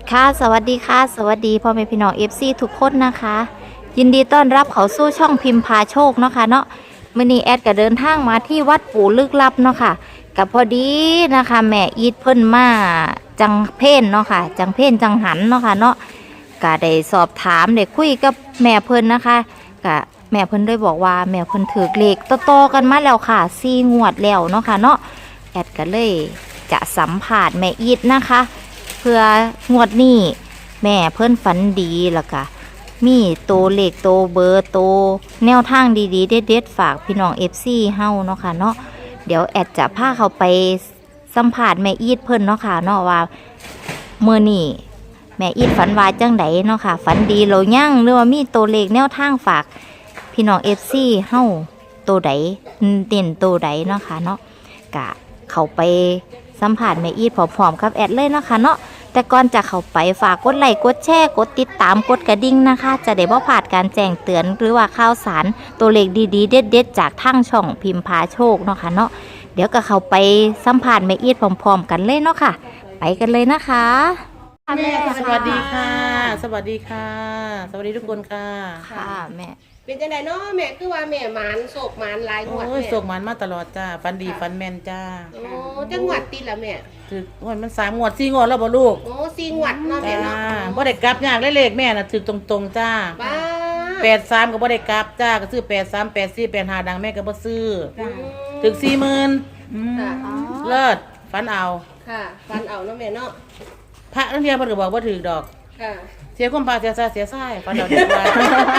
ค่ะสวัสดีค่ะสวัสดีพ่อแม่พี่น้องFCทุกคนนะคะยินดีต้อนรับเขาสู่ช่องพิมพ์พาโชคเนาะค่ะเนาะมื้อนี้แอดก็เดินทางมาที่วัดปู่ลึกลับเนาะค่ะกับพอดีนะคะแม่อีทเพิ่นมาจังเพ่นเนาะค่ะจังเพ่นจังหันเนาะค่ะเนาะก็ได้สอบถามได้คุยกับแม่เพิ่นนะคะก็แม่เพิ่นได้บอกว่าแม่เพิ่นถือเลขโตๆกันมาแล้วค่ะ4 งวดแล้วเนาะค่ะเนาะแอดก็เลยจะสัมภาษณ์แม่อีทนะคะเพื่องวดนี้แม่เพิ่นฝันดีแล้วก็มีโตเลขโตเบอร์โตแนวทางดีๆเด็ดๆฝากพี่น้อง FC เฮาเนาะค่ะเนาะเดี๋ยวแอดจะพาเขาไปสัมภาษณ์แม่อีทเพิ่นเนาะค่ะเนาะว่ามื้อนี้แม่อีทฝันว่าจังไดเนาะค่ะฝันดีแล้วยังหรือว่ามีโตเลขแนวทางฝากพี่น้อง FC เฮาโตใดเด่นโตใดเนาะค่ะเนาะกะเข้าไปสัมภาษณ์แม่อีทพร้อมๆกับแอดเลยเนาะค่ะเนาะแต่ก่อนจะเข้าไปฝากกดไลค์กดแชร์กดติดตามกดกระดิ่งนะคะจะได้บ่พลาดการแจ้งเตือนหรือว่าข่าวสารตัวเลขดีๆเด็ดๆจากทางช่องพิมพ์พาโชคเนาะค่ะเนาะเดี๋ยวก็เข้าไปสัมภาษณ์แม่อีทพร้อมๆกันเลยเนาะค่ะไปกันเลยนะคะแม่สวัสดีค่ะ สวัสดีค่ะ สวัสดีทุกคนค่ะค่ะแม่เป็นจังไดเนาะแม่คือว่าแม่หมานโศกหมานหลายงวดโอ้ยแม่ส่งมันมาตลอดจ้าฟันดีฟันแมนจ้าโอ้จังหวัดติดละแม่ถึกงวดมัน3 งวด 4 งวดแล้วบ่ลูกโอ้4งวดเนาะแม่จ้าเนาะบ่ได้กลับยากเลยเลขแม่น่ะถึกตรงๆจ้าบ้า 83ก็บ่ได้กลับจ้าก็ซื้อ83 84 85ดังแม่ก็บ่ซื้ออืมถึก 40,000 ค่ะเลิศฟันเอาค่ะฟันเอาเนาะแม่เนาะพระนักเรียนเพิ่นก็บอกบ่ถึกดอกค่ะเสียความปากเสียใจเสียไส้ฟันเอาดีกว่า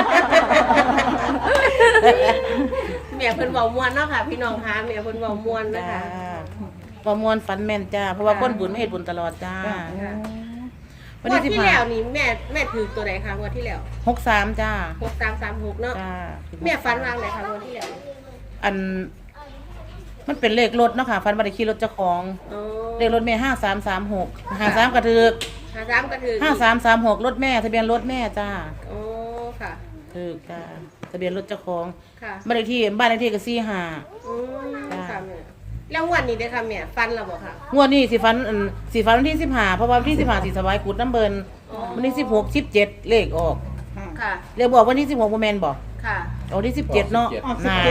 แม่เพิ่นเว้าม่วนเนาะค่ะ พี่น้องคะแม่เพิ่นเว้าม่วนนะจ้าคะประมวลฝันแม่นจ้า เพราะว่าคนบุญไม่เห็นบุญตลอดจ้าค่ะวันงวที่ดที่แล้วนี่แม่ถือตัวใดคะงวดที่แล้ว 63จ้า 6336เนาะจ้าแม่ฝันวางไหนคะงวดที่แล้วอัน มันเป็นเลขรถเนาะค่ะฟันบัตรขี่รถเจ้าของโอ้เลขรถแม่5336 53กระถึก 53ก็ถือ 5336รถแม่ทะเบียนรถแม่จ้าโอ้ค่ะถึกจ้าทะเบียนรถเจ้าของค่ะบ้านเลขที่บ้านเลขที่ก็45 อืมค่ะแม่แล้วงวดนี้ได้อค่ะแม่ฟันแล้วบ่ค่ะงวดนี้สิฟันสิฟันวันที่15เพราะว่าวันที่15สิถวายกุดน้ำเบินอ๋อวันที่16 17เลขออกค่ะเรียกบอกวันที่16บ่แม่นบ่ค่ะเอาวันที่17เนาะนาน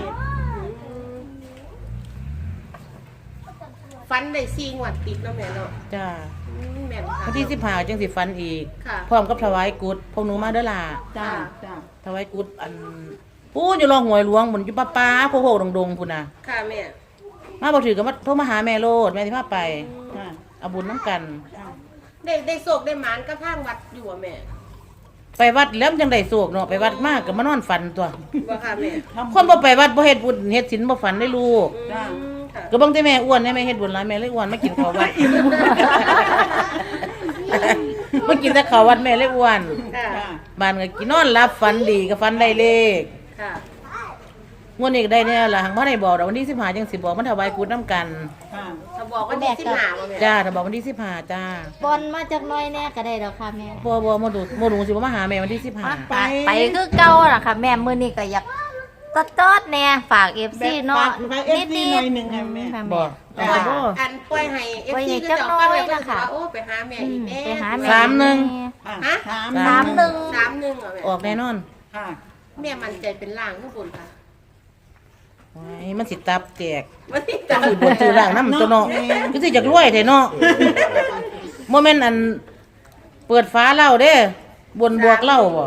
ฟันได้4งวดติดเนาะแม่เนาะจ้าแม่นค่ะวันที่15จังสิฟันอีกค่ะพร้อมกับถวายกุดพวกหนูมาเด้อล่ะจ้าถวายกุดอันปู้อยู่รองหวยหลวงบนอยู่ป้าโคโคดงๆพุ่นน่ะค่ะแม่มาบ่ถือก็มาโทรมาหาแม่โลดแม่สิพาไปเอาบุญน้ำกันได้โศกได้หมานก็พางวัดอยู่อะแม่ไปวัดแล้วมันจังได้โศกเนาะไปวัดมากก็มานอนฝันตัวบ่ค่ะแม่คนบ่ไปวัดบ่เฮ็ดบุญเฮ็ดศีลบ่ฝันได้ลูกอืมค่ะก็เบิ่งแต่แม่อ้วนแม่เฮ็ดบุญหลายแม่เลยอ้วนมากินข้าววัด มากินแต่ข้าววัดแม่เลยอ้วนค่ะบ้านก็กินนอนหลับฝันดีก็ฝันได้เลขค่ะงวดนี้ก็ได้เนี่ยล่ะหังบ่ได้บอกดอกวันที่15จังสิบอกมันถวายกุดน้ำกันถ้าบอกว่าได้15บ่แม่จ้าถ้าบอกวันที่15จ้าบอลมาจากน้อยแน่ก็ได้แล้วค่ะแม่บ่มาดูสิบ่มาหาแม่วันที่15 ไปคือเก่าล่ะค่ะแม่มื้อนี้ก็อยากตอดๆแน่ฝาก FC เนาะนิดๆหน่อยนึงค่ะแม่บ่แต่เอาว่าบ่อันปล่อยให้ปล่อย FC ให้ก็จักจะหน่อยฟังแล้วก็นะคะว่าโอ้ไปหาแม่อีกแน่ไปหาแม่ฮะ 31 31อ่ะแม่ออกแน่นอนแม่มั่นใจเป็นล่างข้างบนค่ะโอ้ยมันสิตับแตกมันสิจังสิบ่ซื้อร่างนำตัวเนาะคือสิจักรวยแท้เนาะบ่แม่นอันเปิดฟ้าเหล้าเด้บนบวกเหล้าบ่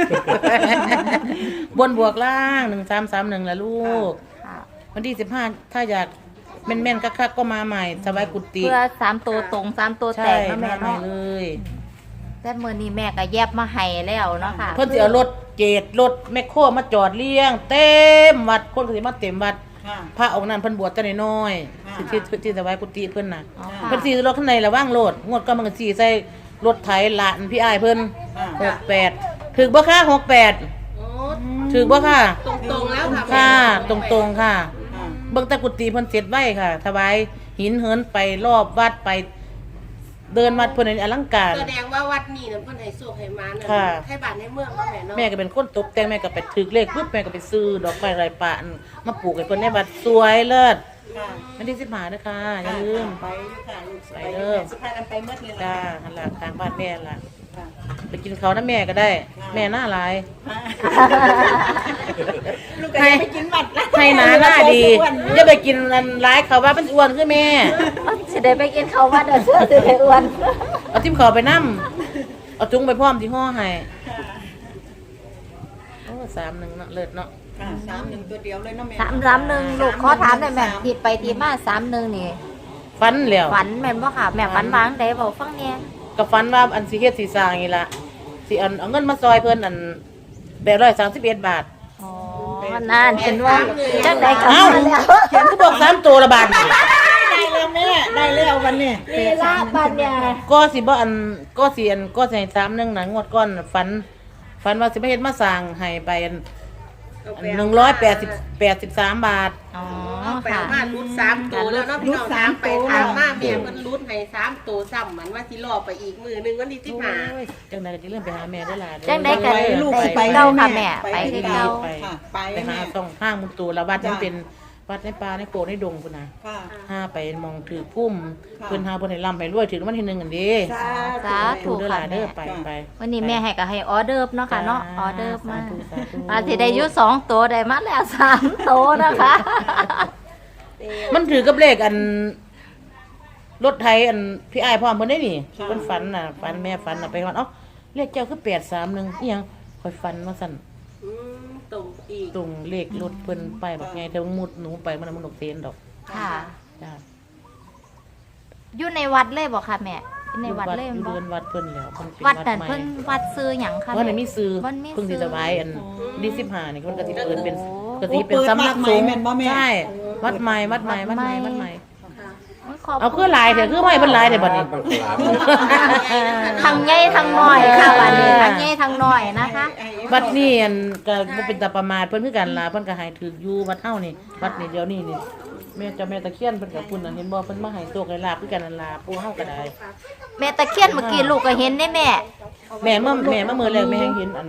บนบวกล่าง1331ล่ะลูกค่ะวันที่15ถ้าอยากแม่นๆคักๆก็มาใหม่สบายกุฏิเพื่อ3ตัวตรง3ตัวแตใช่กเนาะแม่มาใหม่เนาะเลยแต่มื้อนี้แม่ก็แยบมาให้แล้วเนาะค่ะเพิ่นสิเอารถเจดรถแมคโครมาจอดเลี้ยง เต็มวัดคนก็สิมาเต็มวัดพระองค์นั้นเพิ่นบวชแต่น้อยๆสิที่สบายกุฏิเพิ่นน่ะอ๋อค่ะเพิ่นสิรถข้างในระว่างโลดงวดก็มันก็สิใส่รถไถหลานพี่อ้ายเพิ่น68ถึกบ่ค่ะ68 โอ้ถึกบ่ค่ะตรงๆแล้วค่ะค่ะ ตรงๆค่ะ เบิ่งแต่กุฏิเพิ่นเสร็จไว้ค่ะถวายหินเหินไปรอบวัดไปเดินวัดเพิ่นอลังการแสดงว่าวัดนี้น่ะเพิ่นให้โชคให้มาน่ะค่ะให้บ้านให้เมืองเนาะแม่เนาะแม่ก็เป็นคนตกแต่งแม่ก็ไปถึกเลขปุ๊บแม่ก็ไปซื้อดอกไม้ไรป่านมาปลูกให้เพิ่นในวัดสวยเลิศวันที่15นะคะอย่าลืมไปค่ะลูกไปไปเด้อสุภาพกันไปเมื่อเลยจ้าล่ะหันหลังทางบ้านแม่ล่ะค่ะไปกินเขาวนะแม่ก็ได้ แม่หน้าหลายลูกก็ยังไปกินหมัดละให้หน้าดีอย่าไปกินอันร้ายเขาว่าเป็นอ้วนคือแม่สิได้ไปกินข้าววัดเด้อเสื้อสิได้อ้วนเอาทิมเขาไปนั่มเอาจุ้งไปพร้อมที่ห่อให้โอ้31เนาะเลิศเนาะค่ะ31ตัวเดียวเลยเนาะแม่ 331ลูกขอถามได้แม่ที่ไปที่มา31นี่ฟันแล้วฝันแม่นบ่ค่ะแม่ฝันวางได้บ่ฟังแหน่ก็ฟันว่าอันสิเฮ็ดสิสร้างนี่ล่ะสิอันเอาเงินมาซอยเพิ่นอัน831 บาทอ๋อนั่นเห็นว่าจังได๋ก็มาแล้วเขียนก็บอก3ตัวละบาทได้แล้วแม่ได้แล้ววันนี้นี่ล่ะบัดเนี่ยก็สิบ่อันก็สิอันก็สิให้31น่ะงวดก่อนน่ะฝันว่าสิมาเฮ็ดมาสร้างให้ไปอัน183 บาทอ๋อเอาไปค่ะเอามารุด3ตัวแล้วเนาะพี่น้องถามไปถามมาแม่เพิ่นรุดให้3ตัวซ้ำมันว่าสิรอไปอีกมื้อนึงวันที่15 โอ้ยจังได๋ก็สิเริ่มไปหาแม่ได้ล่ะจังได๋ก็เด้อลูกได้สิไปเก่าค่ะแม่ไปที่เก่าค่ะไปไปหาแม่ต้องห้างมุตูแล้ววัดมันจ้ะเป็นวัดในป่าในโกในดงพุ่นน่ะค่ะห้าไปมองถือพุ่มค่ะเพิ่นหาเพิ่นให้ร่ำให้รวยถึงวันที่1กันเด้สาธุเด้อล่ะเด้อไปไปวันนี้แม่ให้ก็ให้ออเดิร์ฟเนาะค่ะเนาะออเดิร์ฟมาสธุสาธุอาสิได้อยู่2ตัวได้มาแล้ว3ตัวนะคะมันถือกับเลขอันรถไทยอันพี่อ้ายพร้อมเพิ่นได้นี่เพิ่นฝันน่ะฝันแม่ฝันน่ะไปว่าเอ้าเลขเจ้าคือ831อีหยังข่อยฝันว่าซั่นตรงอีกตรงเลขรถเพิ่นไปบักไงแต่ว่ามุดหนูไปมันดอกเตนดอกค่ะจ้าอยู่ในวัดเลยบ่ค่ะแม่อยู่ในวัดเลยอยู่บ่เดือนวัดเพิ่นแล้วเพิ่นเป็นวัดนั่นใหม่เพิ่นวัดซื้อหยังคะว่าไหนแม่มีซื้อวันมีเพิ่งสิซื้อสบายอันดี15นี่เพิ่นก็สิเปิดเป็นโอ้ก็สิเป็นสำนักสงฆ์ใช่วัดใหม่วัดใหม่วัดใหม่วัดใหม่ขบณเอาคือหลายเถอะคือไม่เพิ่นหลายเถอะบัดนี้ทั้งใหญ่ทั้งน้อยค่ะบัดนี้ทั้งใหญ่ทั้งน้อยนะคะวัดนี้อันก็บ่เป็นตาประมาทเพิ่นคือกันล่ะเพิ่นก็ให้ถืออยู่วัดเฮานี่วัดนี่เดี๋ยวนี้นี่แม่เจ้าแม่ตะเคียนเพิ่นก็พุ่นน่ะเห็นบ่เพิ่นมาให้โชคให้ลาภคือกันนั่นล่ะปู่เฮาก็ได้แม่ตะเคียนเมื่อกี้ลูกก็เห็นได้แม่แม่มามื้อแรกแม่เห็นอัน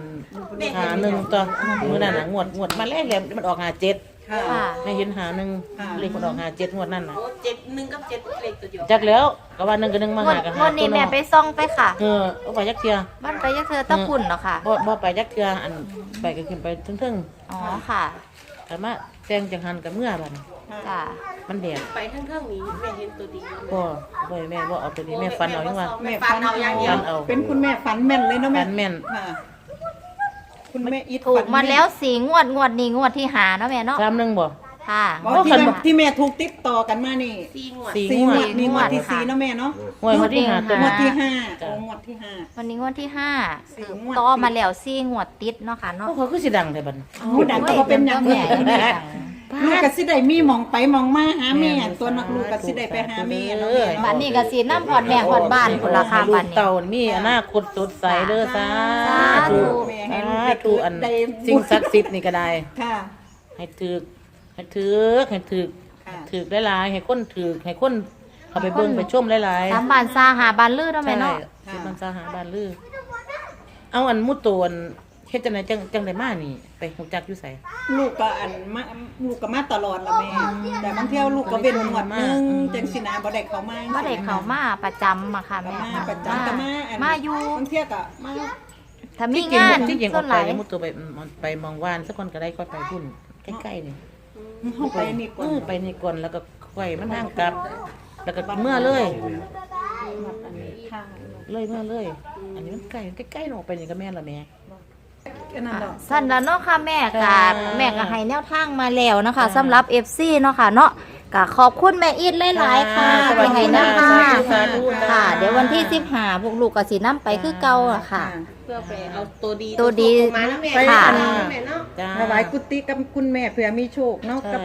51ตัวมื้อนั้นน่ะงวดมาแรกแล้วมันออก57 ค่ะค่ะแม่เห็น51เลขมันออก57งวดนั้นน่ะโอ้71กับ7เลขตัวเดียวจักแล้วก็ว่า1กับ1มาหากันหาวันนี้แม่ไปซ่องไปค่ะเอาไปจักเทื่อบ้านไปยักเธอตะพุ่นเนาะค่ะบ่ไปจักเทื่ออันไปก็ขึ้นไปเทิงอ๋อค่ะๆแต่มาแต่งจังหันกับเมื่อบัดนี้จ้ะมันแดดไปทั้งๆนี้แม่เห็นตัวดีบ่แม่บ่เอาตัวนี้แม่ฟันเอาจังว่าแม่ฟันเอาอย่างเดียวฟันเอาเป็นคุณแม่ฝันแม่นเลยเนาะแม่ฟันแม่นค่ะคุณแม่อิดถูกฝันมาม่นแล้ว4งวดนี้งวดที่หาเนาะแม่เนาะ 31บ่ค่ะบอกที่แม่ที่แม่ถูกติดต่อกันมานี่ 4งวดสี่สี่งงววดดนี่งวดที่ค่ะ 4เนาะแม่เนาะงวดที่หาตัวงวนี้ดที่5 จ้ะงวดที่5 วันนี้งวดที่5 สี่คืองวดต่อมาแล้ว4งวดติดเนาะค่ะเนาะพวกเขาคือสิดังแต่บัดนี้ผู้ดังก็บ่เป็นหยังแม่ยังไม่ดังลูกก็สิได้มีหมองไปหมองมาหาแม่ตัวนักลูกก็สิได้ไปหาแม่เนาะแม่บ้านนี้ก็สิน้ำพอดแม่พอดบ้านพุ่นล่ะค่ะลูบ้าก นนี้เต่ามีอนาคตสดใสเด้อสาธุสาธุอันสิ่งศักดิ์สิทธิ์นี่ก็ได้ค่ะให้ถึกให้ค่ะถึกหลายๆให้คนถึกให้คนเขาไปเบิ่งไปชมหลายๆตามบ้านซาหาบ้านลือเนาะแม่เนาะใช่มันสาหาบ้านลือเอาอันมุดตัวอันเฮ็ดจังไดจังไดมานี่ ไปฮู้จักอยู่ไสลูกก็อันมาลูกก็มาตลอดละแม่ แต่บางเที่ยวลูกก็เว้นหมวดหนึงจังสินะบ่ได้เข้ามาบ่ได้เข้ามาประจำอะค่ะก็แม่มาประจำก็มาอันมาอยู่บางเที่ยวก็มาถ้ามีงานที่จริงส่อวอน กหไปลายแล้วมุดตัวไปมองวานสักคนก็ได้ค่อยไปพุ่นใกล้ๆนี่เฮาไปนี่ก่อนไปนี่ก่อนแล้วก็ค่อยมันทางกลับ แล้วก็เมื่อเลยค่ะเลยเมื่อเลย อันนี้มันใกล้ๆออกไปนี่ก็แม่นละแม่แค่นั้นดอกสั้นแล้วเนาะค่ะแม่ค่ะแม่ก็ให้แนวทางมาแล้วเนาะค่ะสำหรับ FC เนาะค่ะเนาะก็ขอบคุณแม่อีทหลายๆค่ะสวัสที่ดีให้แนวทางสาธุค่ะ เดี๋ยววันที่15พวกลูกก็สินํไปคือเก่าอะค่ะเพื่อไปเอาตัวดีตัวดีมาแล้วแม่ค่ะแม่เนาะจ้าถวายกุฏิกับคุณแม่เผื่อมีโชคเนาะกับ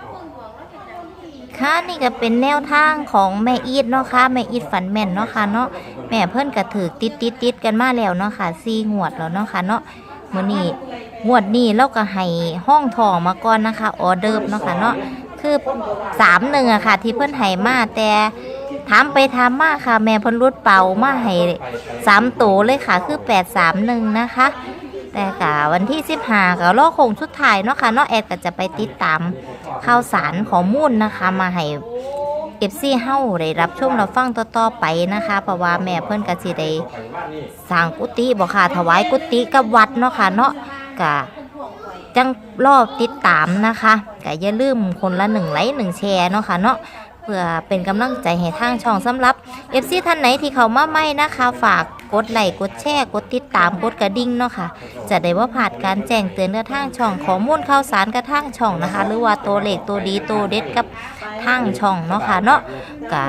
ค่ะนี่ก็เป็นแนวทางของแม่อีทเนาะค่ะแม่อีทฝันแม่นเนาะค่ะเนาะแม่เพิ่นก็ถือติดกันมาแล้วเนาะค่ะ4งวดแล้วเนาะค่ะเนาะมื้อนี้งวดนี้เราก็ให้ห้องทองมาก่อนนะคะออเดิร์ฟเนาะค่ะเนาะคือ31อะค่ะ ที่เพิ่นให้มาแต่ถามไปถามมาค่ะ แม่เพิ่นรุดเป่ามาให้3ตัวเลยค่ะคือ831นะคะแต่กะวันที่15ก็รอคงสุดท้ายเนาะค่ะเนาะแอดก็จะไปติดตามข่าวสารข้อมูลนะคะมาให้ FC เฮาได้รับชมรับฟังต่อๆไปนะคะเพราะว่าแม่เพิ่นก็สิได้สร้างกุฏิบ่ค่ะถวายกุฏิกับวัดเนาะค่ะเนาะก็จังรอติดตามนะคะก็อย่าลืมคนละ1 ไลค์ 1 แชร์เนาะค่ะเนาะเพื่อเป็นกำลังใจให้ทางช่องสำหรับ FC ท่านไหนที่เขามาใหม่นะคะฝากกดไลค์กดแชร์กดติดตามกดกระดิ่งเนาะค่ะจะได้ว่าผ่านการแจ้งเตือนกระทางช่องข้อมูลข่าวสารกระทางช่องนะคะ หรือว่าตัวเลขตัวดีตัวเด็ดกับทางช่องเนาะค่ะเนาะก็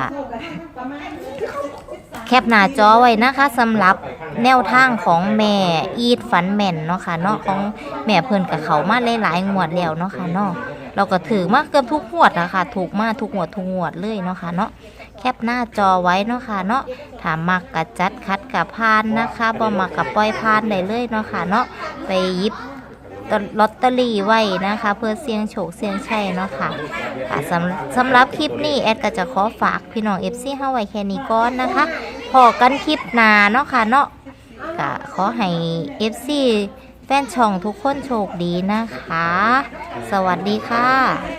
แคปหน้าจอไว้นะคะสำหรับแนวทางของแม่อีทฝันแม่นเนาะค่ะเนาะของแม่เพิ่นกับเขามาหลายๆงวดแล้วเนาะค่ะเนาะเราก็ถือมาเกือบทุกงวดนะคะถูกมาทุกงวดเลยเนาะค่ะเนาะแคปหน้าจอไว้เนาะค่ะเนาะถ้ามักกะจัดคัดกะพานนะคะบ่มักกะปล่อยพานได้เลยเนาะค่ะเนาะไปหยิบลอตเตอรี่ไว้นะคะเพื่อเสี่ยงโชคเสี่ยงชัยเนาะค่ะสำหรับคลิปนี้แอดก็จะขอฝากพี่น้อง FC เฮาไว้แค่นี้ก่อนนะคะพอกันคลิปหน้าเนาะค่ะเนาะก็ขอให้ FC แฟนช่องทุกคนโชคดีนะคะสวัสดีค่ะ